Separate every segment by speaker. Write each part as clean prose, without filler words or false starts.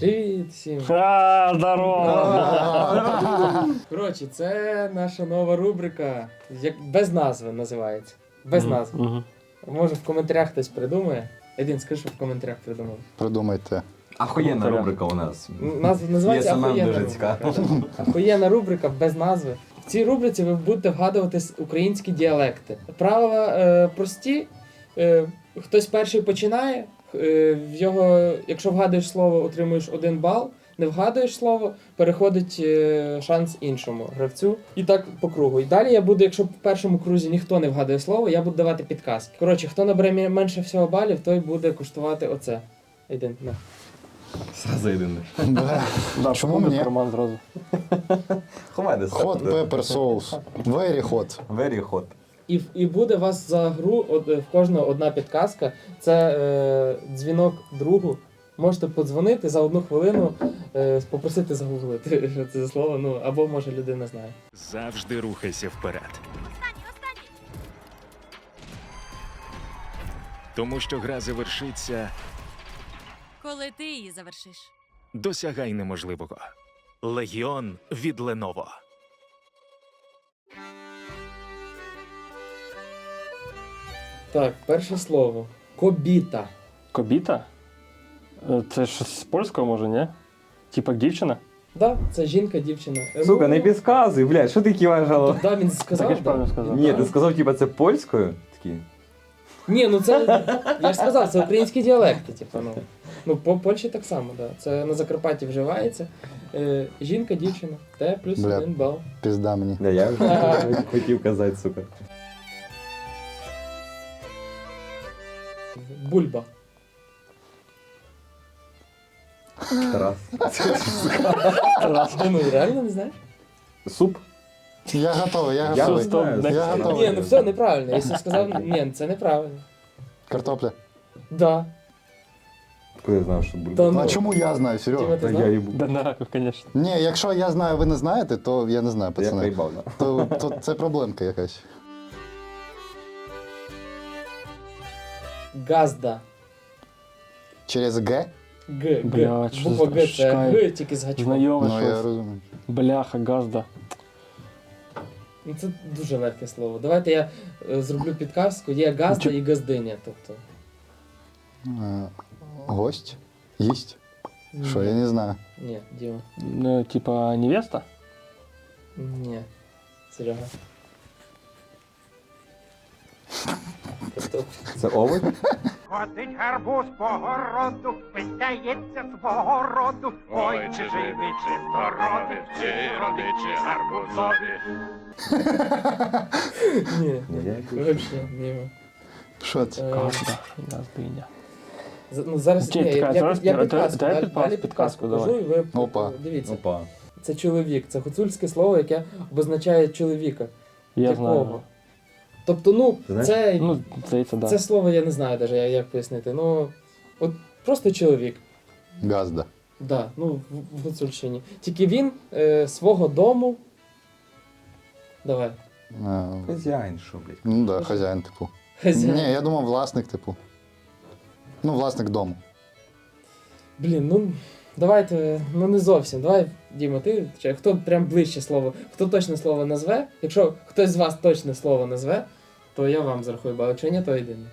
Speaker 1: Привіт всім!
Speaker 2: Здорово!
Speaker 1: Коротше, це наша нова рубрика, без назви називається. Без назви. Може в коментарях хтось придумає. Един, скажи, що в коментарях придумав.
Speaker 3: Придумайте.
Speaker 4: Охуєнна рубрика у нас.
Speaker 1: Називається
Speaker 4: Є, самим
Speaker 1: «Ахуєнна
Speaker 4: дуже
Speaker 1: рубрика».
Speaker 4: цікаво.
Speaker 1: Ахуєнна рубрика без назви. В цій рубриці ви будете вгадувати українські діалекти. Правила прості. Хтось перший починає, якщо вгадуєш слово, отримуєш 1 бал. Не вгадуєш слово, переходить шанс іншому гравцю. І так по кругу. І далі я буду, якщо в першому крузі ніхто не вгадує слово, я буду давати підказки. Коротше, хто набере менше всього балів, той буде куштувати оце. Йди, на.
Speaker 4: Сразу єдине.
Speaker 3: Чому мені?
Speaker 2: Роман зразу.
Speaker 4: Ховай десь.
Speaker 3: Hot pepper соус. Very hot.
Speaker 4: Very hot.
Speaker 1: І буде у вас за гру в кожного одна підказка. Це дзвінок другу. Можете подзвонити за 1 хвилину, попросити загуглити, що це за слово, ну, або може людина знає.
Speaker 5: Завжди рухайся вперед. Тому що гра завершиться,
Speaker 6: Коли ти її завершиш.
Speaker 5: досягай неможливого. Легіон від Lenovo.
Speaker 1: Так, перше слово. Кобіта.
Speaker 2: Кобіта? Це щось з польського, може, ні? Типа дівчина?
Speaker 1: Да, це жінка, дівчина.
Speaker 4: Сука, не підказуй, блядь, що ти киваєш голову?
Speaker 1: Да, він
Speaker 2: Так
Speaker 1: сказав,
Speaker 2: я ж
Speaker 1: да?
Speaker 2: правильно сказав.
Speaker 4: Ні, ти сказав, типа, це польською? Такі.
Speaker 1: Ні, ну це, я ж сказав, це українські діалекти, типу, ну. Ну, по Польщі так само, да. Це на Закарпатті вживається. Жінка, дівчина. Те плюс
Speaker 3: Бля.
Speaker 1: 1 бал.
Speaker 3: Пізда мені.
Speaker 4: Да, я вже хотів казати, сука.
Speaker 1: Бульба.
Speaker 4: Тарас.
Speaker 1: Ну, реально не знаєш?
Speaker 4: Суп?
Speaker 3: Я готовий, я
Speaker 4: Я
Speaker 3: готовий.
Speaker 4: знаю.
Speaker 3: Я
Speaker 4: Я
Speaker 3: готовий.
Speaker 1: Ні, ну все неправильно. Якщо сказав, ні, це неправильно.
Speaker 3: Картопля.
Speaker 1: Да.
Speaker 4: Куди я знав, що буде?
Speaker 1: Та ну.
Speaker 3: А чому я знаю,
Speaker 1: Діма,
Speaker 3: Серега?
Speaker 1: ти
Speaker 4: Та
Speaker 1: знав?
Speaker 4: я їбу.
Speaker 2: Да, на раків, звісно.
Speaker 3: Ні, якщо я знаю, ви не знаєте, то я не знаю,
Speaker 4: Я
Speaker 3: пацани.
Speaker 4: проїбав, да.
Speaker 3: То це проблемка якась.
Speaker 1: Газда.
Speaker 3: Через Г?
Speaker 1: Г.
Speaker 2: Блядь, що
Speaker 1: Буква
Speaker 2: за
Speaker 1: Г це
Speaker 2: шкай.
Speaker 1: Г, тільки з гачком.
Speaker 2: Знайоме
Speaker 3: Ну, я
Speaker 2: щось.
Speaker 3: розумію.
Speaker 2: Бляха, газда.
Speaker 1: Ну, це дуже легке слово. Давайте я зроблю підказку. Є газда і газдиня. Тобто.
Speaker 3: Гость? Їсть? Що, я не знаю.
Speaker 1: Ні, Діма.
Speaker 2: Ну, типа невеста?
Speaker 1: Ні. Серега. Тобто,
Speaker 4: Це овоч?
Speaker 7: Ходить гарбуз по городу, питається свого роду. Ой, чи живий, чи здоровий, чи родичі гарбузові.
Speaker 1: ні.
Speaker 4: Ні, я якось-
Speaker 1: Вообще, Діма.
Speaker 3: Що це?
Speaker 2: Газда. Газдиня.
Speaker 1: Ну, зараз
Speaker 2: Чи,
Speaker 1: ні,
Speaker 2: чекай, зараз
Speaker 1: я
Speaker 2: дай
Speaker 1: підказку, далі
Speaker 2: підказку
Speaker 1: підказку
Speaker 2: давай.
Speaker 1: кажу, і ви
Speaker 3: Опа.
Speaker 1: дивіться.
Speaker 4: Опа.
Speaker 1: Це чоловік, це гуцульське слово, яке обозначає чоловіка.
Speaker 2: Я
Speaker 1: Якого?
Speaker 2: знаю.
Speaker 1: Тобто, ну,
Speaker 4: Ти знаєш?
Speaker 1: це,
Speaker 2: Ну, здається, да.
Speaker 1: це слово я не знаю навіть, як пояснити. Ну, от просто чоловік.
Speaker 3: Газда.
Speaker 1: Да, ну, в Гуцульщині. Тільки він свого дому. Давай.
Speaker 4: Хазяїн, що, блядь?
Speaker 3: Ну да, хазяїн, типу.
Speaker 1: Хазяїн.
Speaker 3: Ні, я думав власник, типу. Ну, власник дому.
Speaker 1: Блін, ну давайте, ну не зовсім. Давай, Діма, ти хто прям ближче слово, хто точне слово назве. Якщо хтось з вас точне слово назве, то я вам зарахую бал. Якщо ні, то єдине.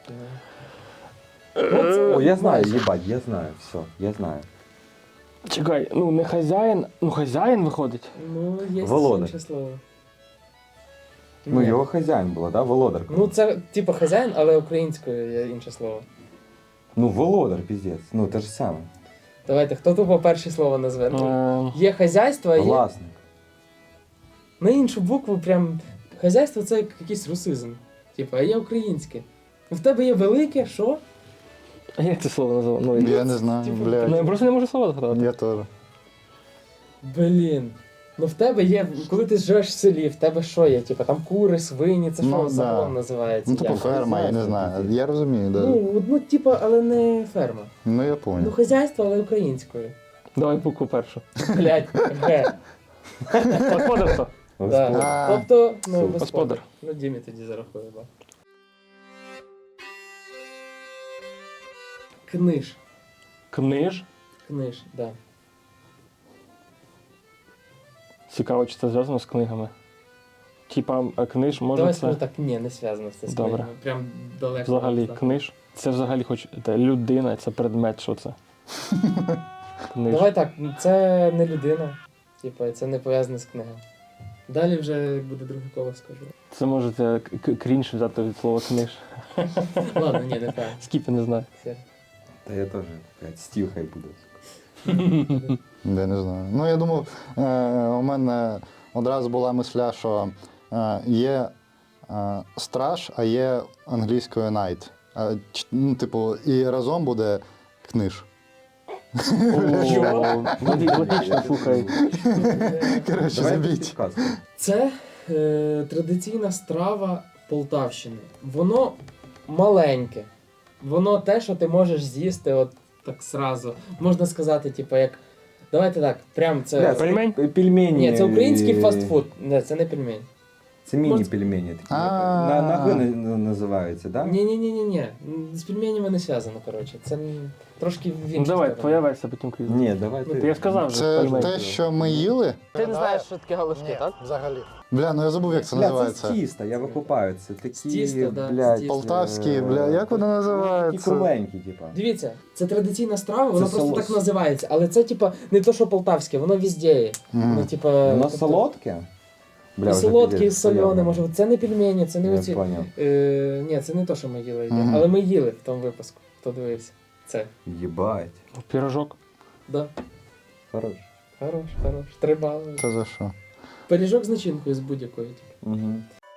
Speaker 4: О, я знаю, їбать, я знаю, все, я знаю.
Speaker 2: Чекай, ну не хазяїн, ну хазяїн виходить.
Speaker 1: Ну, є
Speaker 4: Володар.
Speaker 1: інше слово.
Speaker 4: Ну,
Speaker 1: Ні.
Speaker 4: його хазяїн було, да? Володар.
Speaker 1: Ну, це типу хазяїн, але українською є інше слово.
Speaker 4: Ну, володар, піздець. Ну, те ж саме.
Speaker 1: Давайте, хто тупо перше слово назве? Ну,
Speaker 2: Е,
Speaker 1: є хазяйство, а є
Speaker 4: Власник.
Speaker 1: на іншу букву прям. Хазяйство це якийсь русизм. Типу, а є українське. Ну, в тебе є велике, що?
Speaker 2: А як це слово називає? Ну,
Speaker 3: Я не знаю,
Speaker 1: Типу,
Speaker 2: ну, я
Speaker 3: блядь.
Speaker 2: просто не можу слово згадати.
Speaker 3: Я теж.
Speaker 1: Блін. Ну в тебе є, коли ти живеш в селі, в тебе що є? Типу там кури, свині, це що
Speaker 3: Ну, да.
Speaker 1: загалом називається?
Speaker 3: Ну, типу
Speaker 1: Як?
Speaker 3: ферма, я не знаю. Я розумію, да.
Speaker 1: Ну, типу, але не ферма.
Speaker 3: Ну, я
Speaker 1: Ну,
Speaker 3: понял.
Speaker 1: хазяйство, але українською.
Speaker 2: Давай букву першу.
Speaker 1: Блять, Г.
Speaker 2: Господарство.
Speaker 1: Да.
Speaker 3: А.
Speaker 1: Тобто, ну,
Speaker 4: Супер.
Speaker 1: господар. Ну, Дімі тоді зарахує, да. Книж.
Speaker 2: Книж.
Speaker 1: Книж, да.
Speaker 2: Цікаво, чи це зв'язано з книгами. Типа, книж може
Speaker 1: Давай
Speaker 2: це
Speaker 1: скажу так, ні, не зв'язано це з
Speaker 2: Добре.
Speaker 1: книгами. Прям далеко.
Speaker 2: взагалі
Speaker 1: так.
Speaker 2: книж. Це взагалі хоч людина, це предмет, що це? Книж.
Speaker 1: Давай так, це не людина, типа, це не пов'язане з книгою. Далі вже як буде друге коло, скажу.
Speaker 2: Це можете крінж взяти від слова книж.
Speaker 1: Ладно, ні, не так.
Speaker 2: Скіпи не знаю.
Speaker 1: Все.
Speaker 4: Та я теж, блядь, стіл хай буде.
Speaker 3: Я не знаю. Ну, я думав, у мене одразу була мисля, що є страж, а є англійською night. Ну, типу, і разом буде книж.
Speaker 2: Логічно, слухай.
Speaker 3: Коротше,
Speaker 4: Давай
Speaker 3: забіть.
Speaker 4: підказку.
Speaker 1: Це традиційна страва Полтавщини. Воно маленьке. Воно те, що ти можеш з'їсти от так сразу. Можна сказати, типу, як. Давайте так, прям це.
Speaker 4: Бля,
Speaker 2: Пельмень?
Speaker 4: Пельмені.
Speaker 1: Ні, це український фастфуд. Не, це не пельмень.
Speaker 4: Це міні-пельмені такі. На Г називаються, так?
Speaker 1: Ні. З пельменями не зв'язано, коротше. Це трошки в
Speaker 2: Ну
Speaker 1: іншу
Speaker 2: давай,
Speaker 1: сторону.
Speaker 2: твоя версія, потім крізь.
Speaker 4: Ні, давай
Speaker 2: Ну,
Speaker 4: ти.
Speaker 2: я сказав вже
Speaker 3: Це
Speaker 2: пельмень.
Speaker 3: те, що ми їли?
Speaker 8: Ти не знаєш, що таке галушки, так?
Speaker 3: Взагалі. Бля, ну я забув, як це
Speaker 4: Бля, це з
Speaker 3: називається.
Speaker 4: тіста, я викупаю. Це такі,
Speaker 1: З тіста, да,
Speaker 4: блядь,
Speaker 1: з тіста.
Speaker 3: Полтавські, бля, як воно
Speaker 4: Такі
Speaker 3: називається?
Speaker 4: кругленькі, типа.
Speaker 1: Дивіться, це традиційна страва, вона
Speaker 4: Це
Speaker 1: просто
Speaker 4: соус.
Speaker 1: так називається. Але це, типа, не то, що полтавське, воно везде є.
Speaker 3: Мгм.
Speaker 1: Ну, типа,
Speaker 4: Воно
Speaker 1: тобто,
Speaker 4: солодке?
Speaker 1: І
Speaker 4: вже
Speaker 1: солодке, і
Speaker 4: пиздець,
Speaker 1: солене,
Speaker 4: солене.
Speaker 1: може. Це не пельмені, це не
Speaker 4: Я
Speaker 1: оці.
Speaker 4: поняв.
Speaker 1: Ні, це не то, що ми їли.
Speaker 3: Мгм.
Speaker 1: Але ми їли в тому випуску, хто дивився. Це.
Speaker 4: Єбать.
Speaker 2: Пірожок.
Speaker 1: Да.
Speaker 4: Хорош.
Speaker 1: Хорош. 3 бали.
Speaker 3: Це за що?
Speaker 1: Пиріжок з начинкою з будь-якою. Типу.
Speaker 4: Угу.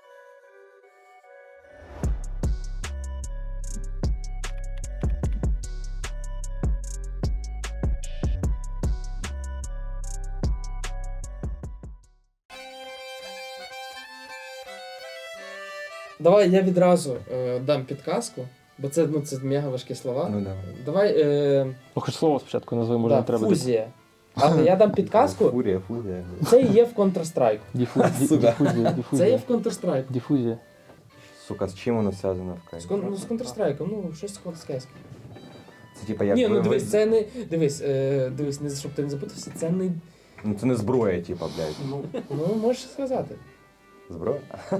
Speaker 1: Давай я відразу дам підказку, бо це, ну, це мега важкі слова.
Speaker 4: Ну давай.
Speaker 1: Давай.
Speaker 2: Ну, хоч слово спочатку назви, може
Speaker 1: Да,
Speaker 2: не треба.
Speaker 1: фузія. Але я дам підказку.
Speaker 4: Фурія.
Speaker 1: Це і є в Counter-Strike.
Speaker 2: Сука.
Speaker 1: Це
Speaker 2: Дифузія,
Speaker 1: є
Speaker 2: дифузія.
Speaker 1: в Counter-Strike.
Speaker 2: Дифузія.
Speaker 4: Сука, з чим воно зв'язано в кайф?
Speaker 1: Ну, з Counter-Strike, ну, щось з Counter-Strike.
Speaker 4: Це типа як...
Speaker 1: Ні, ну
Speaker 4: ви-
Speaker 1: дивись, це не. Дивись, не щоб ти не запутався, це не.
Speaker 4: Ну це не зброя, типа, блядь.
Speaker 1: Ну, можеш сказати.
Speaker 4: Зброя?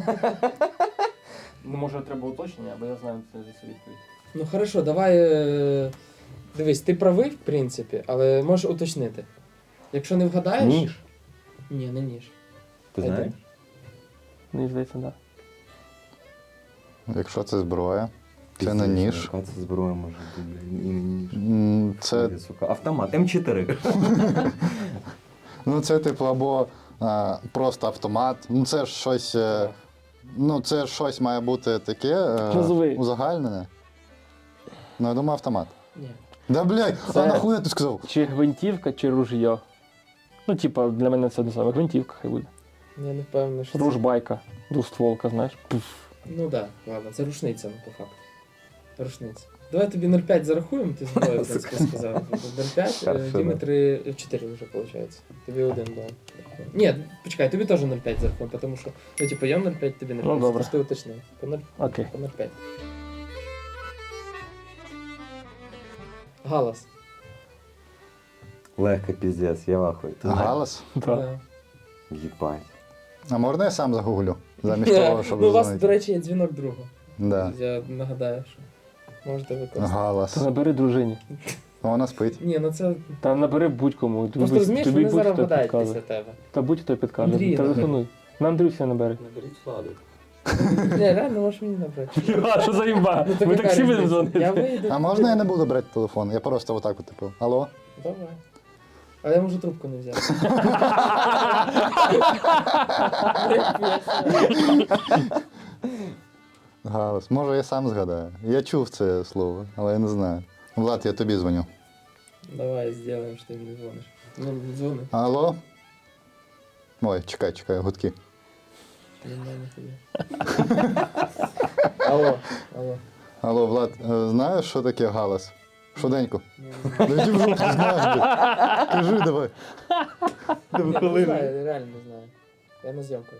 Speaker 2: Ну, може, треба уточнення, або я знаю це відповідь.
Speaker 1: Ну хорошо, давай. Дивись, ти правий, в принципі, але можеш уточнити. Якщо не вгадаєш.
Speaker 4: Ніж.
Speaker 1: Ні, не ніж.
Speaker 4: Ти знаєш?
Speaker 2: Мені здається, так.
Speaker 3: Якщо це зброя, це
Speaker 4: Пиздець,
Speaker 3: не ніж.
Speaker 4: Яка це зброя може бути, блядь, і не ніж.
Speaker 3: Це,
Speaker 4: Ой, сука, автомат, М4.
Speaker 3: ну, це типу або просто автомат. Ну це ж щось. Ну, це ж щось має бути таке
Speaker 2: Назви.
Speaker 3: узагальнене. Ну, я думаю, автомат.
Speaker 1: Ні.
Speaker 3: Да блядь,
Speaker 2: Це-
Speaker 3: а нахуя ти сказав?
Speaker 2: Чи гвинтівка, чи ружьо. Ну, типа, для мене це не саме. Гвинтівка хай буде.
Speaker 1: Я не впевнений, що. Це...
Speaker 2: Ружбайка, двостволка, знаєш. Пуф.
Speaker 1: Ну так, да, ладно, це рушниця, ну, по факту. Рушниця. Давай тобі 0,5 зарахуємо, ти зброю, в принципі, сказав. 0,5,
Speaker 4: Хорошо,
Speaker 1: Діми 4 вже виходить. Тобі 1 бал. Ні, почекай, тобі теж 0,5 зарахуємо, тому що, ну, типу, я 0,5, тобі 0,5.
Speaker 2: Ну, добре.
Speaker 1: Просто уточнив. По 0,
Speaker 2: Окей.
Speaker 1: по 0,5. Галас.
Speaker 4: Легко, піздець, я вахую. Ти знаєш?
Speaker 3: Галас?
Speaker 2: Так.
Speaker 1: Да.
Speaker 4: Єбать.
Speaker 3: А можна я сам загуглю? Замість того, щоб
Speaker 1: Ну, у вас,
Speaker 3: дзвонити?
Speaker 1: до речі, є дзвінок другу.
Speaker 3: Да.
Speaker 1: Я нагадаю, що можете використати.
Speaker 3: Галас.
Speaker 2: Та набери дружині.
Speaker 3: Вона спить.
Speaker 1: Ні, ну це.
Speaker 2: Та набери будь-кому.
Speaker 1: Просто розумієш, вони зараз
Speaker 2: будь-хто
Speaker 1: вгадають
Speaker 2: підкаже.
Speaker 1: після тебе.
Speaker 2: Та будь-хто підкаже.
Speaker 1: Андрій,
Speaker 2: Телефонуй. На Андрюся набери.
Speaker 4: Наберіть владу.
Speaker 1: Ні, реально можеш мені набрати.
Speaker 2: А, що за імба?
Speaker 1: Ну,
Speaker 2: Ми
Speaker 1: яка
Speaker 2: таксі будемо
Speaker 1: різниця? Я
Speaker 2: дзвонити.
Speaker 1: вийду.
Speaker 3: А можна я не буду брати телефон? Я просто отак от, типу, алло?
Speaker 1: Давай. А я можу трубку не взяти.
Speaker 3: Галас. Може, я сам згадаю. Я чув це слово, але я не знаю. Влад, я тобі дзвоню.
Speaker 1: Давай, зробимо, що ти мені дзвониш. Ну, дзвони.
Speaker 3: Алло? Ой, чекай, гудки.
Speaker 1: Нормально тобі. Алло.
Speaker 3: Алло, Влад, знаєш, що таке галас? Швиденько.
Speaker 1: Ну,
Speaker 3: Да йди в жопу, знаєш, блядь. Кажи давай.
Speaker 1: я не знаю, реально не знаю. Я на зйомках.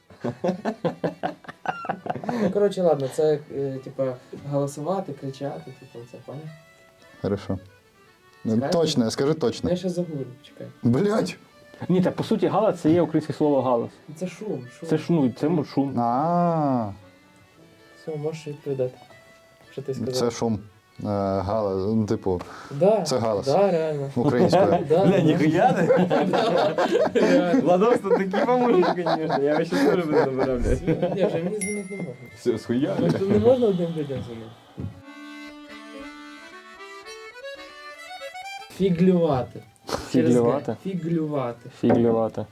Speaker 1: Ну, коротше, ладно, це, типа, голосувати, кричати, типу, це, поняв?
Speaker 3: Хорошо. Точно, скажи точно.
Speaker 1: Я ще загуглю, чекай.
Speaker 3: Блять!
Speaker 2: Ні, так по суті галас це є українське слово галас.
Speaker 1: Це шум.
Speaker 2: Це ж ну, це шум.
Speaker 1: Все, можеш відповідати. Що ти сказав?
Speaker 3: Це шум. Галас, ну, типу,
Speaker 1: Да,
Speaker 3: це галас.
Speaker 1: Да, реально.
Speaker 3: українською.
Speaker 1: Да,
Speaker 4: Бля, ніхуя не.
Speaker 1: реально.
Speaker 4: Владос, ти такий поможеш, звісно. Я ще теж буду набирав, блядь.
Speaker 1: Ні, вже мені дзвонити не можна.
Speaker 4: Все, схуя.
Speaker 1: Ну, тут не можна одним людям дзвонити. Фіглювати. Через Г.
Speaker 2: Фіглювати?
Speaker 1: Фіглювати.
Speaker 2: Фіглювати.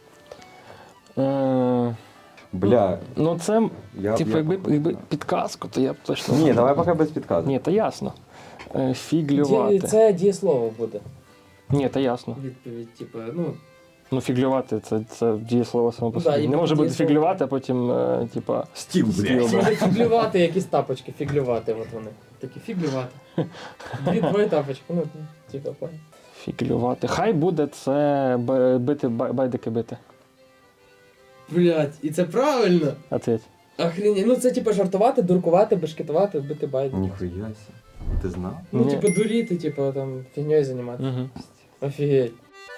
Speaker 4: Бля.
Speaker 2: Ну це,
Speaker 4: Я-
Speaker 2: типу,
Speaker 4: я-
Speaker 2: якби підказку, то я б точно.
Speaker 4: Ні, давай поки без підказок.
Speaker 2: Ні, то ясно. Фіглювати.
Speaker 1: Це дієслово буде.
Speaker 2: Ні, то ясно.
Speaker 1: Відповідь, типу, ну,
Speaker 2: Ну, фіглювати це дієслово само по
Speaker 1: Да,
Speaker 2: собі.
Speaker 1: і
Speaker 2: Не може бути
Speaker 1: дієслово.
Speaker 2: фіглювати, а потім, типа,
Speaker 4: Стіл, блядь.
Speaker 2: стіл.
Speaker 1: Це фіглювати, якісь тапочки, фіглювати, от вони. Такі фіглювати. Дві твої тапочки, ну, типу, понял.
Speaker 2: Фіглювати. Хай буде це бити, байдики бити.
Speaker 1: Блять, і це правильно!
Speaker 2: Ответь.
Speaker 1: Охрені, ну це типу жартувати, дуркувати, бешкетувати, бити байди.
Speaker 4: Ніхуя сі. Ти знав?
Speaker 1: Ну,
Speaker 2: Ні.
Speaker 1: типу, дуріти, типу, там, фігньою займатися.
Speaker 2: Угу.
Speaker 1: Офігеть.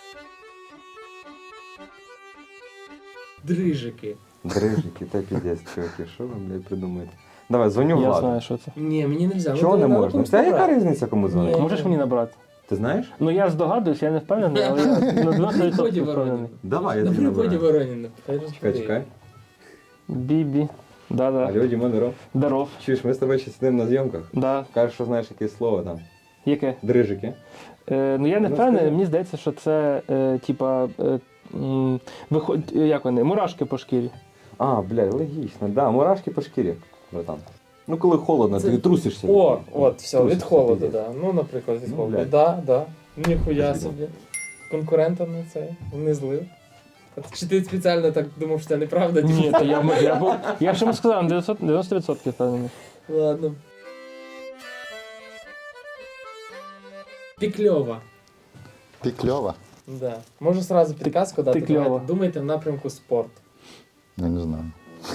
Speaker 1: Дрижики.
Speaker 4: Дрижики, та піздець, чуваки, що ви, блядь, придумаєте? Давай, дзвоню
Speaker 2: Я
Speaker 4: Владу.
Speaker 2: знаю, що це.
Speaker 1: Ні, мені не взяли.
Speaker 4: Чого не можна? Це яка різниця, кому дзвонити?
Speaker 1: Ні.
Speaker 2: Можеш мені набрати?
Speaker 4: Ти знаєш?
Speaker 2: Ну я здогадуюсь, я не впевнений, але я на 90%
Speaker 1: Приході
Speaker 2: впевнений.
Speaker 4: Давай, я
Speaker 1: На
Speaker 4: тобі
Speaker 1: приході
Speaker 4: набираю.
Speaker 1: Вороніна.
Speaker 4: Чекай.
Speaker 2: Бібі. Да-да.
Speaker 4: Алло, Діма, здоров.
Speaker 2: Здоров.
Speaker 4: Чуєш, ми з тобою ще сидимо на зйомках.
Speaker 2: Да.
Speaker 4: Кажеш, що знаєш якесь слово там.
Speaker 2: Яке?
Speaker 4: Дрижики.
Speaker 2: Ну я не
Speaker 4: Ну,
Speaker 2: впевнений,
Speaker 4: скажи.
Speaker 2: мені здається, що це типа як вони, мурашки по шкірі.
Speaker 4: А, блядь, логічно. Да, мурашки по шкірі, братан. Ну, коли холодно,
Speaker 1: Це-
Speaker 4: ти трусишся.
Speaker 1: О, от, все, від
Speaker 4: Трусишся,
Speaker 1: холоду,
Speaker 4: пиздець.
Speaker 1: да. Ну, наприклад, від
Speaker 4: Ну,
Speaker 1: холоду.
Speaker 4: блядь.
Speaker 1: Да. Ніхуя
Speaker 4: Спасибо.
Speaker 1: собі. Конкурента на це не злив. А чи ти спеціально так думав, що це неправда?
Speaker 2: Ні, то я ж йому сказав, на 90% впевнений.
Speaker 1: Ладно. Пікльова.
Speaker 3: Пікльова.
Speaker 1: Да. Можу сразу підказку дати.
Speaker 2: пікльова.
Speaker 1: Давайте. Думайте в напрямку спорт.
Speaker 3: Я не знаю.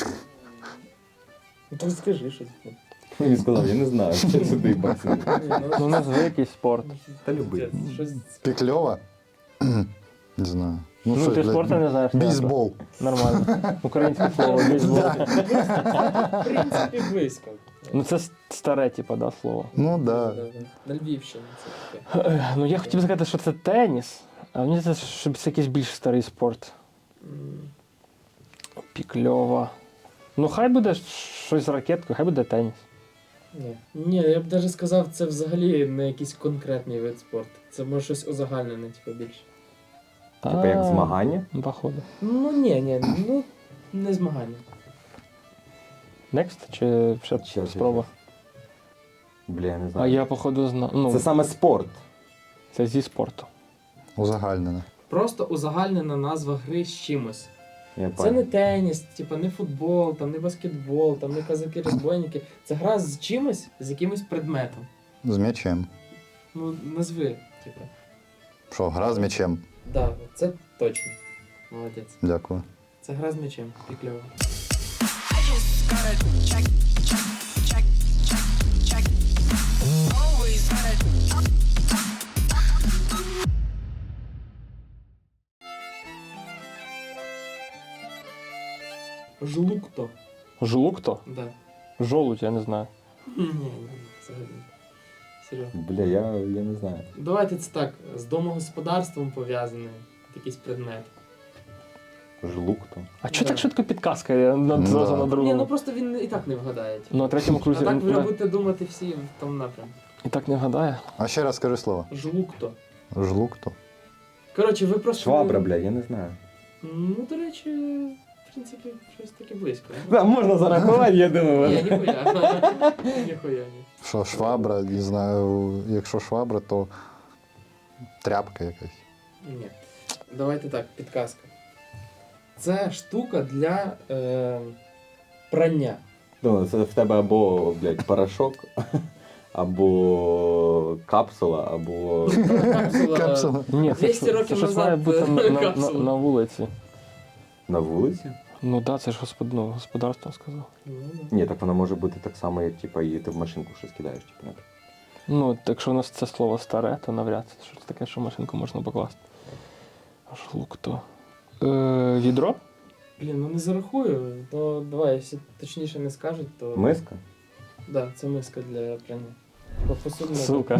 Speaker 1: Ну то скажи щось.
Speaker 4: Він сказав, я не знаю, що сюди баксим.
Speaker 2: Ну назви якийсь спорт.
Speaker 4: Та любий.
Speaker 1: Щось.
Speaker 3: Пікльова? Не знаю.
Speaker 2: Ну
Speaker 3: що,
Speaker 2: ти
Speaker 3: блядь,
Speaker 2: спорту не знаєш.
Speaker 3: Бейсбол.
Speaker 2: Нормально. Українське слово, бейсбол.
Speaker 1: В принципі, близько.
Speaker 2: Ну це старе, типа, да, слово.
Speaker 3: Ну да.
Speaker 1: На Львівщині це таке.
Speaker 2: Ну я хотів сказати, що це теніс, а мені здається, що це якийсь більш старий спорт.
Speaker 1: М,
Speaker 2: Пікльова. Ну хай буде щось з ракеткою, хай буде теніс.
Speaker 1: Ні, я б навіть сказав, це взагалі не якийсь конкретний вид спорту. Це може щось узагальнене, типу, більше.
Speaker 4: Типа як змагання.
Speaker 2: Ну, походу.
Speaker 1: Ну ні, ну не змагання.
Speaker 2: Next чи ще
Speaker 4: Ще,
Speaker 2: спроба?
Speaker 4: Бля, я не
Speaker 2: А
Speaker 4: знаю.
Speaker 2: я походу знаю. Ну,
Speaker 4: Це саме спорт.
Speaker 2: це зі спорту.
Speaker 3: Узагальнене.
Speaker 1: Просто узагальнена назва гри з чимось.
Speaker 4: Я
Speaker 1: Це
Speaker 4: понял.
Speaker 1: не теніс, типу, не футбол, там, не баскетбол, там, не казаки-розбойники. Це гра з чимось, з якимось предметом.
Speaker 3: З м'ячем.
Speaker 1: Ну, назви, типу.
Speaker 3: Що, гра з м'ячем?
Speaker 1: Да, це точно. Молодець.
Speaker 3: Дякую.
Speaker 1: Це гра з м'ячем. Пікльово. Жлукто.
Speaker 2: Жлукто?
Speaker 1: Да.
Speaker 2: Жолудь, я не знаю.
Speaker 1: Ні, взагалі. Серйозно.
Speaker 4: Бля, я не знаю.
Speaker 1: Давайте це так, з домогосподарством пов'язаний якийсь предмет.
Speaker 4: Жлукто.
Speaker 2: А чого
Speaker 1: Да.
Speaker 2: так швидко підказка я
Speaker 3: Да.
Speaker 2: зразу на
Speaker 1: Ні,
Speaker 2: другому?
Speaker 1: ну просто він і так не вгадає. типу.
Speaker 2: Ну, на третьому
Speaker 1: А
Speaker 2: крузі
Speaker 1: так ви
Speaker 2: не-
Speaker 1: будете думати всі в тому напрямку.
Speaker 2: і так не вгадає.
Speaker 3: А ще раз скажи слово.
Speaker 1: Жлукто.
Speaker 3: Жлукто.
Speaker 1: Коротше, ви просто...
Speaker 4: Швабра, бля, я не знаю.
Speaker 1: Ну, до речі, в принципі, щось таке близько.
Speaker 4: Да, можна зарахувати, я
Speaker 1: Ні,
Speaker 4: думаю.
Speaker 1: ніхуя. Ніхуя, ні.
Speaker 3: Що швабра, не знаю, якщо швабра, то тряпка якась.
Speaker 1: Ні. Давайте так, підказка. Це штука для прання.
Speaker 4: Ну, це в тебе або, блядь, порошок, або капсула, або...
Speaker 1: Капсула.
Speaker 3: Капсула.
Speaker 2: Ні, це,
Speaker 1: 200 років
Speaker 2: це щось
Speaker 1: назад,
Speaker 2: має бути на
Speaker 1: капсула.
Speaker 2: на вулиці.
Speaker 4: На вулиці?
Speaker 2: Ну так, да, це ж господарство сказав.
Speaker 1: Ну, да.
Speaker 4: Ні, так вона може бути так само, як типа, і ти в машинку щось кидаєш, типу, наприклад.
Speaker 2: Ну, якщо у нас це слово старе, то навряд це щось таке, що в машинку можна покласти. Аж лук то. Відро?
Speaker 1: Блін, ну не зарахую, то давай, якщо точніше не скажуть, то.
Speaker 4: Миска?
Speaker 1: Да, це миска для прання. Типа посудна.
Speaker 2: Сука.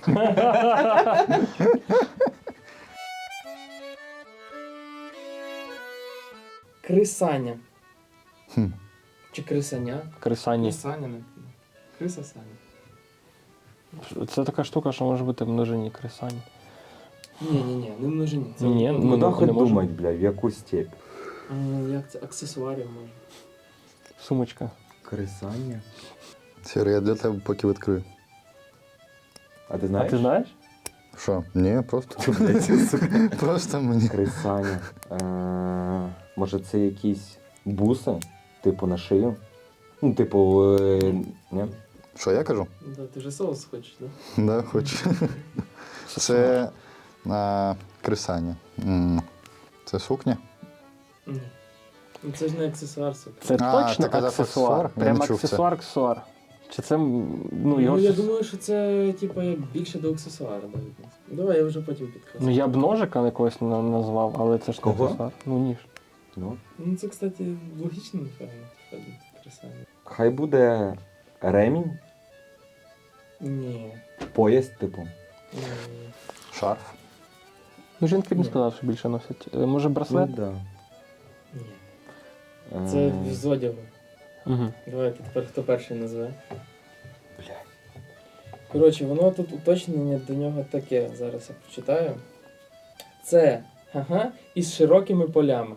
Speaker 1: Крисаня.
Speaker 3: Хм.
Speaker 1: Чи крисаня?
Speaker 2: Крисані.
Speaker 1: Крисаня, не. Криса Саня.
Speaker 2: Це така штука, що може бути в множині крисані.
Speaker 1: Ні, не множині. Це
Speaker 2: Ні,
Speaker 1: ну,
Speaker 2: ну,
Speaker 4: Куди хоч
Speaker 2: не може.
Speaker 4: думать, блядь, в яку степь?
Speaker 1: як це? Аксесуарів може.
Speaker 2: Сумочка.
Speaker 4: Крисання?
Speaker 3: Сіре, я для тебе поки відкрию.
Speaker 4: А ти
Speaker 2: А
Speaker 4: знаєш?
Speaker 2: ти знаєш?
Speaker 3: Що? Ні, просто.
Speaker 4: Блядь, сука.
Speaker 3: Просто мені.
Speaker 4: Крисання. Може це якісь буси? Типу на шию? Ну, типу, ні?
Speaker 3: Що я кажу?
Speaker 1: Да, ти вже соус хочеш, да?
Speaker 3: Да, хочу. Це крисання. Це сукня?
Speaker 1: Ні. Ну це ж не аксесуар, сука.
Speaker 2: Це
Speaker 3: А,
Speaker 2: точно
Speaker 3: ти казав
Speaker 2: аксесуар.
Speaker 3: аксесуар? Я
Speaker 2: Прям
Speaker 3: не чув це.
Speaker 2: аксесуар. Чи це, ну, його...
Speaker 1: Ну, я думаю, що це, типу, як більше до аксесуара да, відносно. Давай, я вже потім підказую.
Speaker 2: Ну, я б ножика якогось назвав, але це ж не
Speaker 4: Кого?
Speaker 2: аксесуар. Ну, ніж.
Speaker 4: Ну.
Speaker 1: Ну, це, кстати, логічно, напевно. Крисаня.
Speaker 4: Хай буде ремінь,
Speaker 1: Ні.
Speaker 4: пояс, типу.
Speaker 1: Ні.
Speaker 3: Шарф.
Speaker 2: Ну, жінки б не
Speaker 1: Ні.
Speaker 2: сказав, що більше носять. Може, браслет?
Speaker 4: Ну, да.
Speaker 1: Ні. Це з одягу.
Speaker 2: Угу.
Speaker 1: Давайте тепер хто перший назве.
Speaker 4: Блядь.
Speaker 1: Коротше, воно тут уточнення до нього таке. Зараз я прочитаю. Це із широкими полями.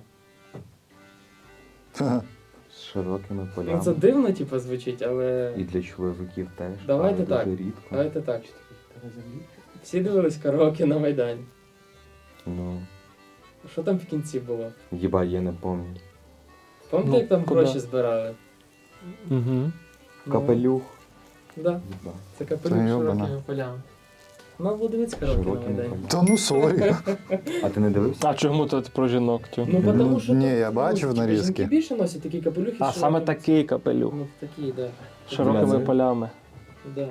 Speaker 4: З широкими
Speaker 1: Ну
Speaker 4: полями.
Speaker 1: це дивно, типу, звучить, але.
Speaker 4: І для чоловіків теж.
Speaker 1: Давайте
Speaker 4: але
Speaker 1: так.
Speaker 4: Дуже рідко.
Speaker 1: Давайте так. Всі дивились караоке на Майдані.
Speaker 4: Ну,
Speaker 1: Що там в кінці було?
Speaker 4: їбать, я не пам'ятаю.
Speaker 1: Пам'ятаєте,
Speaker 2: Ну,
Speaker 1: як там
Speaker 2: куди?
Speaker 1: гроші збирали?
Speaker 2: Угу.
Speaker 1: Ну,
Speaker 4: Капелюх.
Speaker 1: Да,
Speaker 4: Їбать.
Speaker 1: це капелюх
Speaker 3: Та
Speaker 1: з
Speaker 3: йобана.
Speaker 1: широкими полями. У нас було дивитися караоке на
Speaker 4: Широкими
Speaker 1: Майдані.
Speaker 4: полями.
Speaker 3: Та ну сорі.
Speaker 4: А ти не дивився?
Speaker 2: А чому тут про жінок? Тю?
Speaker 1: Ну, тому що
Speaker 3: Ні,
Speaker 1: тут,
Speaker 3: я бачив
Speaker 1: типу,
Speaker 3: нарізки.
Speaker 1: Жінки більше носять такі капелюхи. з
Speaker 2: А саме
Speaker 1: широкими-
Speaker 2: такий капелюх.
Speaker 1: Ну, такі, да.
Speaker 2: З широкими
Speaker 4: Бля,
Speaker 2: полями.
Speaker 1: Да.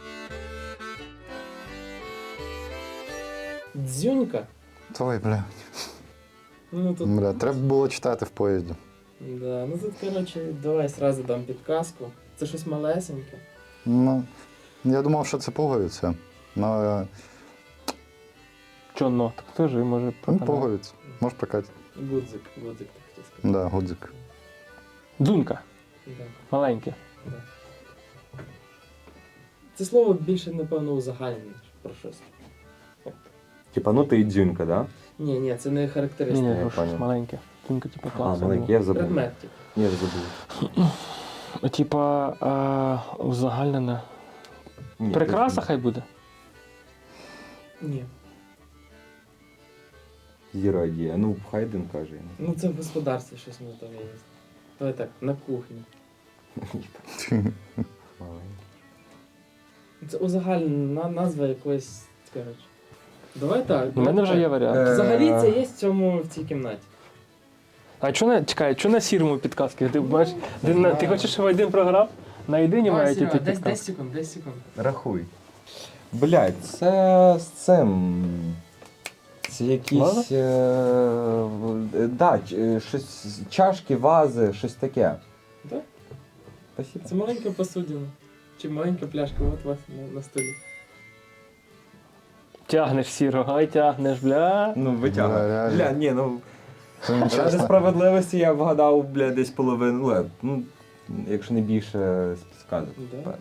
Speaker 1: Дзюнька.
Speaker 3: Ой, бля.
Speaker 1: Ну тут,
Speaker 3: Бля, треба було читати в поїзді.
Speaker 1: да. Ну тут, коротше, давай сразу дам підказку. Це щось малесеньке.
Speaker 3: Ну, я думав, що це пуговиця. Ну,
Speaker 2: Чоно? Так теж може
Speaker 3: ну
Speaker 2: проканати.
Speaker 3: пуговиця. Може прокатити.
Speaker 1: Гудзик, так хотів сказати.
Speaker 3: Да, гудзик.
Speaker 2: Дзунька.
Speaker 1: Да,
Speaker 2: Маленьке.
Speaker 1: да. Це слово більше, напевно, узагальнене про щось.
Speaker 4: Типа, ну ти і дзюнька, да?
Speaker 1: Ні, це не
Speaker 2: Ні,
Speaker 1: характеристика.
Speaker 2: ні,
Speaker 4: я
Speaker 2: щось
Speaker 4: понял.
Speaker 2: маленьке. Дзунька, типу,
Speaker 4: А,
Speaker 2: класно.
Speaker 4: маленький, я забув.
Speaker 1: Предмет, типу.
Speaker 4: Я забув.
Speaker 2: Типа, узагальнене.
Speaker 4: Ні,
Speaker 2: Прикраса
Speaker 4: точно.
Speaker 2: хай буде.
Speaker 1: Ні.
Speaker 4: Зірадія. Ну, Хайден каже.
Speaker 1: Ну це в господарстві щось не там є. Давай так, на кухні.
Speaker 4: Маленький.
Speaker 1: Це узагальнена назва якоїсь, коротше. Давай так.
Speaker 2: У мене вже є варіант.
Speaker 1: Взагалі це є в цій кімнаті.
Speaker 2: А чого не, чекай, чого на сірому підказки? Ти бачиш, ти хочеш, щоб один програв? На єдині мають іти
Speaker 1: Десь
Speaker 2: підказки.
Speaker 1: секунд, 10 секунд.
Speaker 4: Рахуй. Блядь, це з цим. Це якісь.
Speaker 2: Ваза?
Speaker 4: Да, щось, чашки, вази, щось таке.
Speaker 1: Так?
Speaker 4: Спасибо.
Speaker 1: Це маленька посудина. Чи маленька пляшка, от у вас на столі.
Speaker 2: Тягнеш сірого, ай тягнеш, бля.
Speaker 4: Ну,
Speaker 3: Бля,
Speaker 4: витягуй.
Speaker 3: реально.
Speaker 4: Бля, ні, ну.
Speaker 3: Це не
Speaker 4: Ради
Speaker 3: чесно.
Speaker 4: справедливості я вгадав, бля, десь половину. Ну, якщо не більше з підказок.
Speaker 1: Да.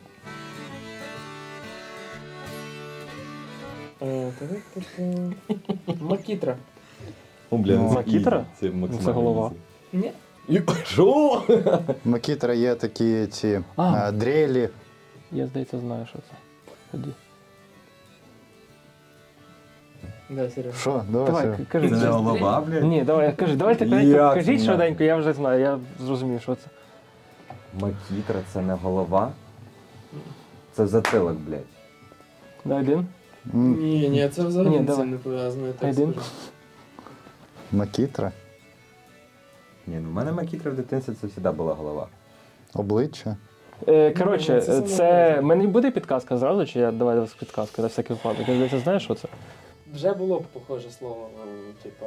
Speaker 1: Макітра.
Speaker 4: Ну, бля,
Speaker 3: Ну,
Speaker 2: Макітра?
Speaker 4: Це
Speaker 2: Це голова.
Speaker 1: Ні.
Speaker 4: Що?
Speaker 3: Макітра є такі ці
Speaker 2: А.
Speaker 3: дрелі.
Speaker 2: Я, здається, знаю, що це. Ході.
Speaker 1: Да, Сережа.
Speaker 3: Що? Давай.
Speaker 2: Давай,
Speaker 3: Сергій.
Speaker 2: кажи.
Speaker 4: Це не голова, блядь?
Speaker 2: Ні, давай, кажи, давайте
Speaker 4: Як
Speaker 2: кажіть
Speaker 4: не?
Speaker 2: швиденько, я вже знаю, я зрозумів, що це.
Speaker 4: Макітра це не голова. Це затилок, блядь.
Speaker 2: Да, один?
Speaker 1: Ні, це взагалі
Speaker 2: Ні,
Speaker 1: з
Speaker 2: давай.
Speaker 1: цим не пов'язано, я так
Speaker 2: Один.
Speaker 1: скажу.
Speaker 3: Макітра.
Speaker 4: Ні, ну в мене макітра в дитинстві це завжди була голова.
Speaker 3: Обличчя.
Speaker 2: Коротше,
Speaker 1: Ну, це
Speaker 2: це мені буде підказка зразу, чи я давай підказку на всякий випадок. Я здається, знаєш, що це?
Speaker 1: Вже було б похоже слово, типа,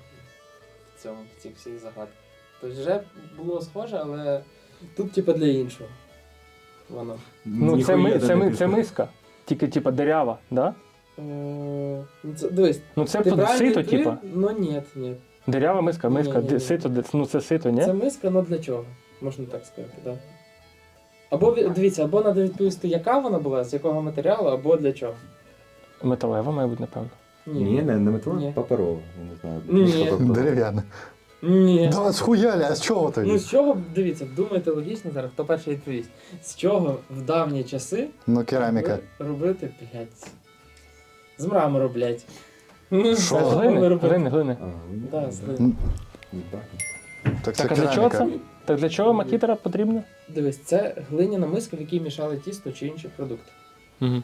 Speaker 1: в цих всіх загадках. Тобто вже було схоже, але тут, типа, для іншого. Воно.
Speaker 2: Ну, це миска. Тільки, типа, дерява, да?
Speaker 1: Дивись,
Speaker 2: Ну, це
Speaker 1: ти правильно
Speaker 2: сито,
Speaker 1: відповів?
Speaker 2: типа.
Speaker 1: Ну, ні.
Speaker 2: Дерява миска,
Speaker 1: Ні.
Speaker 2: сито, ну це сито, ні?
Speaker 1: Це миска, ну для чого? Можна так сказати, так. Да. Або, дивіться, або треба відповісти, яка вона була, з якого матеріалу, або для чого.
Speaker 2: Металева, має бути, напевно.
Speaker 4: Ні, не метро,
Speaker 1: Ні.
Speaker 4: паперово. Я не знаю.
Speaker 1: Ні.
Speaker 4: Що тобто?
Speaker 3: Дерев'яне.
Speaker 1: Ні.
Speaker 3: Да, схуяли, а з чого тоді?
Speaker 1: Ну з чого, дивіться, думайте логічно зараз, хто перший відповість. З чого в давні часи
Speaker 3: Ну, кераміка.
Speaker 1: робити, блядь, з мрамору, блядь. Ну, з
Speaker 3: Що?
Speaker 1: чого
Speaker 2: Глини,
Speaker 1: робити?
Speaker 2: глини.
Speaker 4: А, ну,
Speaker 1: Да, з глини.
Speaker 4: Їбать.
Speaker 3: Так це
Speaker 2: Так, а для чого це?
Speaker 3: кераміка.
Speaker 2: Так для чого макітера потрібна?
Speaker 1: Дивись, це глиняна миска, в якій мішали тісто чи інші продукти.
Speaker 2: Угу.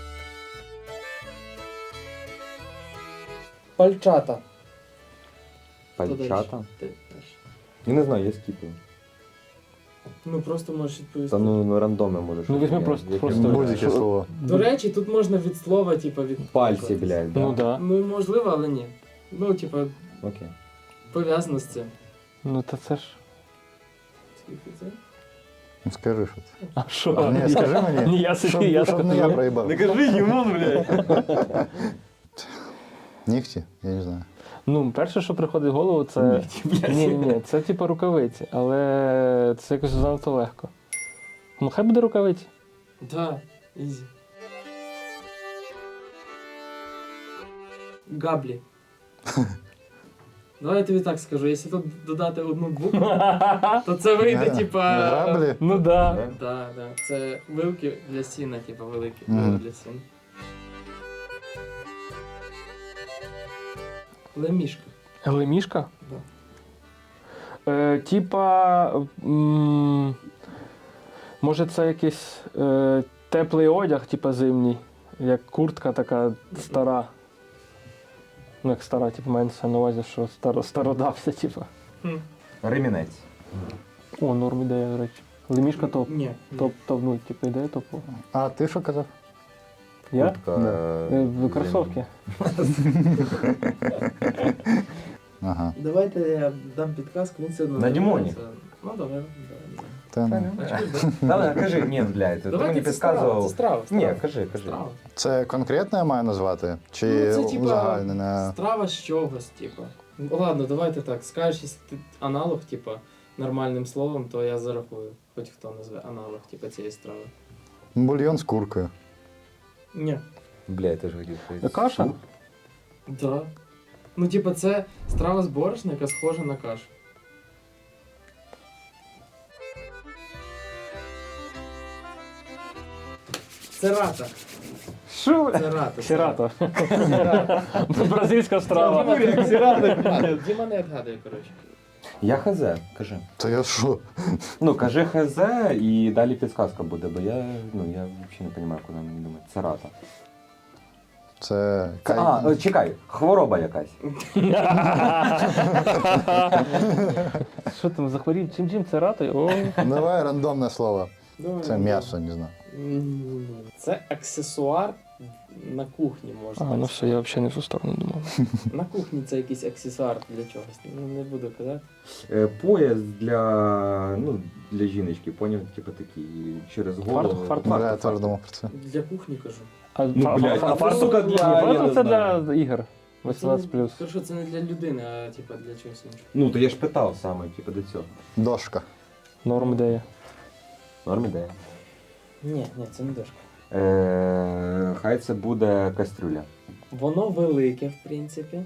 Speaker 1: Пальчата.
Speaker 4: Пальчата?
Speaker 1: Ти перший.
Speaker 4: Я не знаю, я скіпаю.
Speaker 1: Ну просто можеш відповісти.
Speaker 4: Та ну рандомно можеш.
Speaker 2: Ну, візьми
Speaker 4: Я-
Speaker 2: просто-
Speaker 4: як
Speaker 2: просто-
Speaker 4: я можу.
Speaker 3: Будь-яке слово.
Speaker 1: До речі, тут можна від слова, типу, від
Speaker 4: Пальці, блядь, да?
Speaker 2: Ну да.
Speaker 1: Ну, можливо, але ні. Ну, типу,
Speaker 4: Окей.
Speaker 1: пов'язано з цим.
Speaker 2: Ну та це ж.
Speaker 1: Скільки це?
Speaker 3: Ну, скажи, що це.
Speaker 2: А що?
Speaker 3: Ні, скажи мені.
Speaker 2: Ні, я собі, я
Speaker 3: щоб не я
Speaker 2: скажу.
Speaker 3: проїбав.
Speaker 4: кажи йому, блядь.
Speaker 3: Нігті? Я не знаю.
Speaker 2: Ну, перше, що приходить в голову, це. Ні, це типу рукавиці, але це якось занадто легко. Ну, хай буде рукавиці.
Speaker 1: Да, ізі. Габлі. Давай я тобі так скажу, якщо тут додати одну букву, то це вийде, типа.
Speaker 3: Граблі?
Speaker 2: Ну да.
Speaker 1: Да. Це вилки для сіна, типа великі
Speaker 3: Мгм.
Speaker 1: вилки для сіна. Лемішка.
Speaker 2: Лемішка?
Speaker 1: Да.
Speaker 2: Типа. Може, це якийсь теплий одяг, типа зимній, як куртка така стара. Ну, як стара, типу, мається на увазі, що стародався, типу.
Speaker 1: Хм.
Speaker 4: Ремінець.
Speaker 2: О, норм ідея, до речі. Лемішка топ.
Speaker 1: Ні.
Speaker 2: Топ, ну, типу, ідея топова.
Speaker 3: А ти що казав?
Speaker 2: Я?
Speaker 4: Куртка,
Speaker 2: Кросовки.
Speaker 3: Ага.
Speaker 1: Давайте я дам підказку, він все одно.
Speaker 4: На Дімоні.
Speaker 1: називається. Ну, давай.
Speaker 3: Та, ну.
Speaker 4: Та кажи, ні, блядь, ти
Speaker 1: Давайте
Speaker 4: мені
Speaker 1: це страва,
Speaker 4: підказував.
Speaker 1: це страва.
Speaker 4: Ні, кажи.
Speaker 1: Страва.
Speaker 3: Це конкретно я маю назвати? Чи
Speaker 1: Ну, це, типа,
Speaker 3: узагальнене?
Speaker 1: страва з чогось, типа. Ну, ладно, давайте так. Скажеш, якщо ти аналог, типа, нормальним словом, то я зарахую. Хоч хто назве аналог, типа, цієї страви.
Speaker 3: Бульйон з куркою.
Speaker 1: Ні.
Speaker 4: Бля, я теж хотів сказати.
Speaker 2: Каша?
Speaker 1: Да. Ну, типа, це страва з борошна, яка схожа на кашу. Це рата.
Speaker 2: Що?
Speaker 1: Це рата.
Speaker 2: Сірато.
Speaker 1: Це рата.
Speaker 2: Бразильська страва.
Speaker 1: Діма не відгадує, коротше.
Speaker 4: Я хз, кажи.
Speaker 3: Та я що?
Speaker 4: Ну, кажи хз і далі підсказка буде, бо я взагалі не розумію, куди мені думати. Це рата.
Speaker 3: Це...
Speaker 4: Чекай, хвороба якась.
Speaker 2: Що там, захворів? Чим це рато? О.
Speaker 3: Давай рандомне слово.
Speaker 1: Давай.
Speaker 3: Це м'ясо, не знаю.
Speaker 1: Це аксесуар на кухні, можна.
Speaker 2: А,
Speaker 1: так
Speaker 2: ну
Speaker 1: сказати.
Speaker 2: все, я взагалі не в ту сторону думав.
Speaker 1: На кухні це якийсь аксесуар для чогось. Ну, не буду казати.
Speaker 4: Пояс для жіночки, поняв, типу такий, через голову.
Speaker 2: Фартух.
Speaker 3: Бля, я теж думав про це.
Speaker 1: Для кухні кажу.
Speaker 2: А,
Speaker 4: блядь, а
Speaker 2: фартух-
Speaker 4: сука,
Speaker 2: Ні,
Speaker 4: я
Speaker 2: фартух
Speaker 4: не
Speaker 2: це
Speaker 4: знаю.
Speaker 2: для ігор. 18+.
Speaker 1: Хорошо, це не для людини, а типа для чогось іншого.
Speaker 4: Ну, то я ж питав саме, типу, до цього.
Speaker 3: Дошка.
Speaker 2: Норм ідея.
Speaker 4: Норм ідея.
Speaker 1: Ні, це не дошка.
Speaker 4: Хай це буде кастрюля.
Speaker 1: Воно велике, в принципі.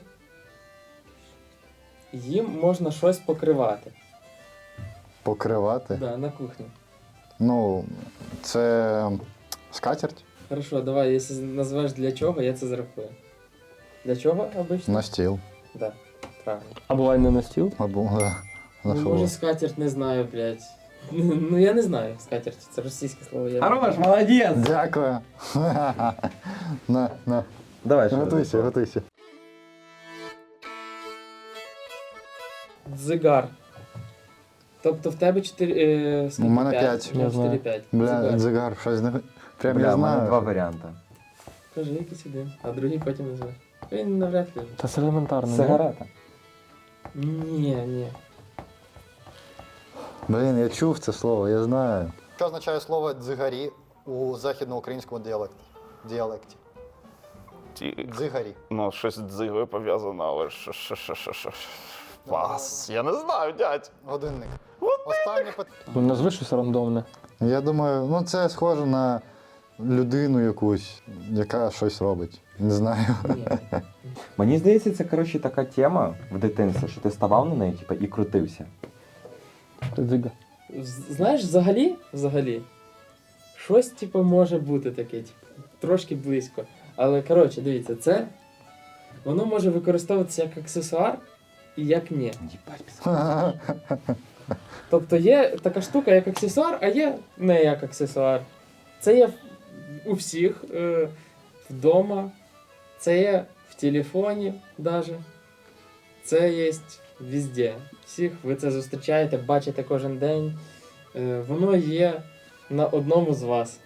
Speaker 1: Їм можна щось покривати.
Speaker 3: Покривати.
Speaker 1: Да, на кухні.
Speaker 3: Ну, це скатерть
Speaker 1: Хорошо, давай, якщо назвеш для чого, я це зарахую. Для чого обично?
Speaker 3: на стіл.
Speaker 1: Да, правильно.
Speaker 2: А буває не на стіл?
Speaker 3: Або, да, на
Speaker 1: Ну,
Speaker 3: що?
Speaker 1: може скатерть не знаю, блядь. Ну я не знаю скатерть, це російське слово. Я...
Speaker 4: Хорош, молодець!
Speaker 3: Дякую. На.
Speaker 4: Давай, що
Speaker 3: Готуйся, готуйся.
Speaker 1: Дзигар. Тобто в тебе 4.
Speaker 3: У мене 5.
Speaker 2: Я знаю.
Speaker 1: 4-5.
Speaker 3: Бля, дзигар, щось не... Прям
Speaker 4: Бля,
Speaker 3: я
Speaker 4: в мене два
Speaker 3: знаю.
Speaker 4: варіанти.
Speaker 1: Кажи якийсь один, а другий потім назвеш. Він навряд ли.
Speaker 2: Та це елементарно. ні?
Speaker 4: Сигарета.
Speaker 1: Ні.
Speaker 3: Блін, я чув це слово, я знаю. Що означає слово дзигарі у західноукраїнському діалекті? Дзигарі.
Speaker 9: Ну, щось з дзигою пов'язано, але що. Пас. Я не знаю, дядь.
Speaker 3: Годинник. Останнє питання.
Speaker 2: Ну, назви щось рандомне.
Speaker 3: Я думаю, ну це схоже на людину якусь, яка щось робить. Не знаю.
Speaker 1: Ні.
Speaker 4: Мені здається, це, коротше, така тема в дитинстві, що ти ставав на неї, типу, і крутився.
Speaker 2: Дзига.
Speaker 1: Знаєш, взагалі, щось типу може бути таке, типу, трошки близько. Але коротше, дивіться, воно може використовуватися як аксесуар і як ні. Тобто є така штука як аксесуар, а є не як аксесуар. Це є у всіх вдома, це є в телефоні навіть. Це є везде. Всіх ви це зустрічаєте, бачите кожен день. Воно є на одному з вас.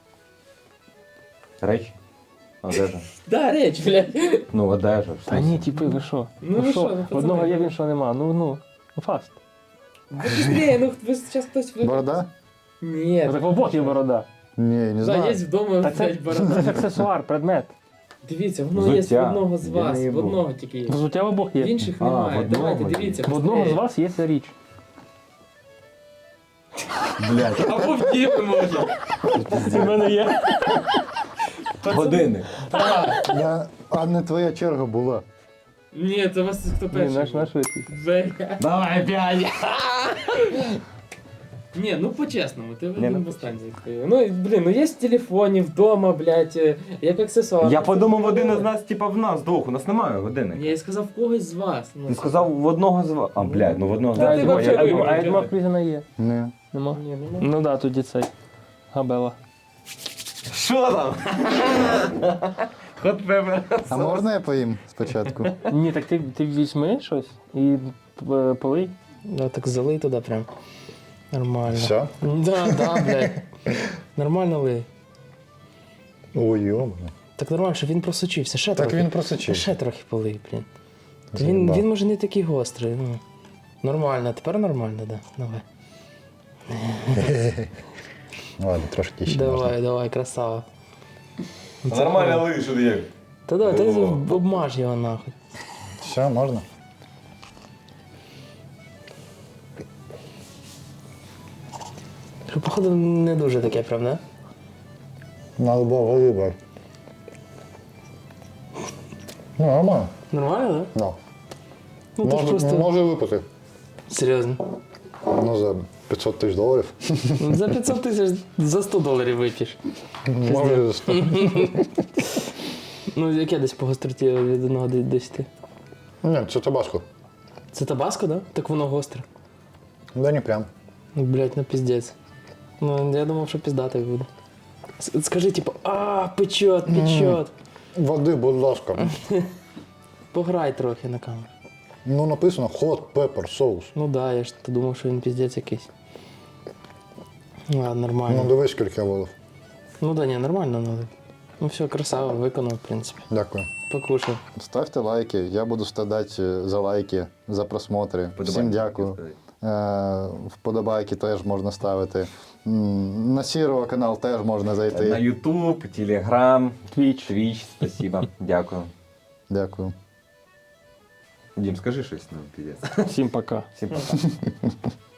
Speaker 4: Речі? Одежа.
Speaker 1: Да, реч, блядь.
Speaker 4: Ну, одежа.
Speaker 2: Та ні, типи, ви що?
Speaker 1: Ну ви що, ну пацани.
Speaker 2: Одного є, в іншого нема. Ну, фаст.
Speaker 1: Быстрее, ну ви зараз хтось...
Speaker 3: Борода?
Speaker 1: Ні.
Speaker 2: Так в обох є борода.
Speaker 3: Ні, не
Speaker 1: Да,
Speaker 3: знаю.
Speaker 1: є вдома,
Speaker 2: Та це,
Speaker 1: блядь,
Speaker 2: це
Speaker 1: борода.
Speaker 2: ж аксесуар, предмет.
Speaker 1: Дивіться, воно є в
Speaker 4: Взуття.
Speaker 1: одного з
Speaker 4: Я
Speaker 1: вас,
Speaker 4: не
Speaker 1: в
Speaker 4: їбу.
Speaker 1: одного тільки є.
Speaker 2: Взуття в обох
Speaker 1: В
Speaker 2: є.
Speaker 1: інших
Speaker 4: А,
Speaker 1: немає.
Speaker 4: в одного
Speaker 1: Давайте,
Speaker 4: є.
Speaker 1: дивіться.
Speaker 2: В одного з
Speaker 1: быстрее.
Speaker 2: вас є ця річ.
Speaker 4: Блядь.
Speaker 1: Або в діви може.
Speaker 2: У мене є.
Speaker 4: Годинник.
Speaker 3: А не твоя черга була.
Speaker 1: Ні, це у вас хто
Speaker 2: Ні,
Speaker 1: перший.
Speaker 2: наш випій.
Speaker 1: Бля.
Speaker 4: Давай, п'ять.
Speaker 1: Ні, ну по-чесному, ти
Speaker 4: Ні,
Speaker 1: один
Speaker 4: ну,
Speaker 1: в останній відповів. Ну, блін, ну є в телефоні, вдома, блядь, як аксесуар.
Speaker 4: Я подумав, один із нас, типа, в нас двох. У нас немає годинника.
Speaker 1: Я сказав в когось з вас. Ну,
Speaker 4: Ти сказав в одного з вас. А, блядь, ну в одного з
Speaker 1: Та
Speaker 4: вас.
Speaker 1: ти
Speaker 2: А
Speaker 1: вообще
Speaker 2: я
Speaker 1: вибір,
Speaker 2: думав,
Speaker 1: чого?
Speaker 2: в Крізіна є.
Speaker 3: Ні.
Speaker 2: Нема?
Speaker 1: Ні, ну,
Speaker 2: Ну да, тоді цей. Габела.
Speaker 4: Що там? Хот пепер.
Speaker 3: А можна я поїм спочатку?
Speaker 2: Ні, так ти візьми щось і полий. Да, так залий туди прям. Нормально.
Speaker 3: Все?
Speaker 2: Да, блядь. Нормально лий.
Speaker 3: Ой, йома.
Speaker 2: Так нормально, щоб він просочився. Ще
Speaker 3: Так
Speaker 2: трохи.
Speaker 3: він просочив.
Speaker 2: Ще трохи полий, блін.
Speaker 3: Заїбав.
Speaker 2: Він може не такий гострий. Ну. Нормально, тепер нормально, да. Давай.
Speaker 3: Ладно, трошки ще можна.
Speaker 2: Давай, красава.
Speaker 4: Нормально лиш, що ти як.
Speaker 2: Та давай, ти
Speaker 4: О.
Speaker 2: обмаж його нахуй.
Speaker 3: Все, можна?
Speaker 2: Що, походу, не дуже таке, правда?
Speaker 3: Надо було вибрати. Ну, нормально.
Speaker 2: Нормально, так?
Speaker 3: Ну.
Speaker 2: Ну, ти ж просто...
Speaker 3: Може випити.
Speaker 2: Серйозно.
Speaker 3: Ну, за 500 тисяч доларів.
Speaker 2: За 500 тисяч за $100 вип'єш.
Speaker 3: Може за 100.
Speaker 2: Ну, яке десь по гостроті від 1 до 10?
Speaker 3: Ні, це табаско.
Speaker 2: Це табаско, да? Так воно гостре.
Speaker 3: Да не прям.
Speaker 2: Ну, блядь, ну піздець. Ну, я думав, що піздатий буде. Скажи, типу, печет.
Speaker 3: Води, будь ласка.
Speaker 2: Пограй трохи на камеру.
Speaker 3: Ну, написано hot pepper соус.
Speaker 2: Ну да, я ж думав, що він піздець якийсь. Ладно, нормально.
Speaker 3: Ну, дивись, скільки я волив.
Speaker 2: Ну да, ні, нормально налив. Ну все, красава, виконав, в принципі.
Speaker 3: Дякую.
Speaker 2: Покушав.
Speaker 3: Ставте лайки, я буду страдати за лайки, за просмотри. Всім дякую. Вподобайки теж можна ставити. На Сірого канал теж можна
Speaker 4: На
Speaker 3: зайти.
Speaker 4: YouTube, Telegram,
Speaker 2: Твіч.
Speaker 4: Twitch, спасибо. Дякую.
Speaker 3: Дякую.
Speaker 4: Дім, скажи щось, ну, піздець.
Speaker 2: Всім пока.
Speaker 4: Всім пока.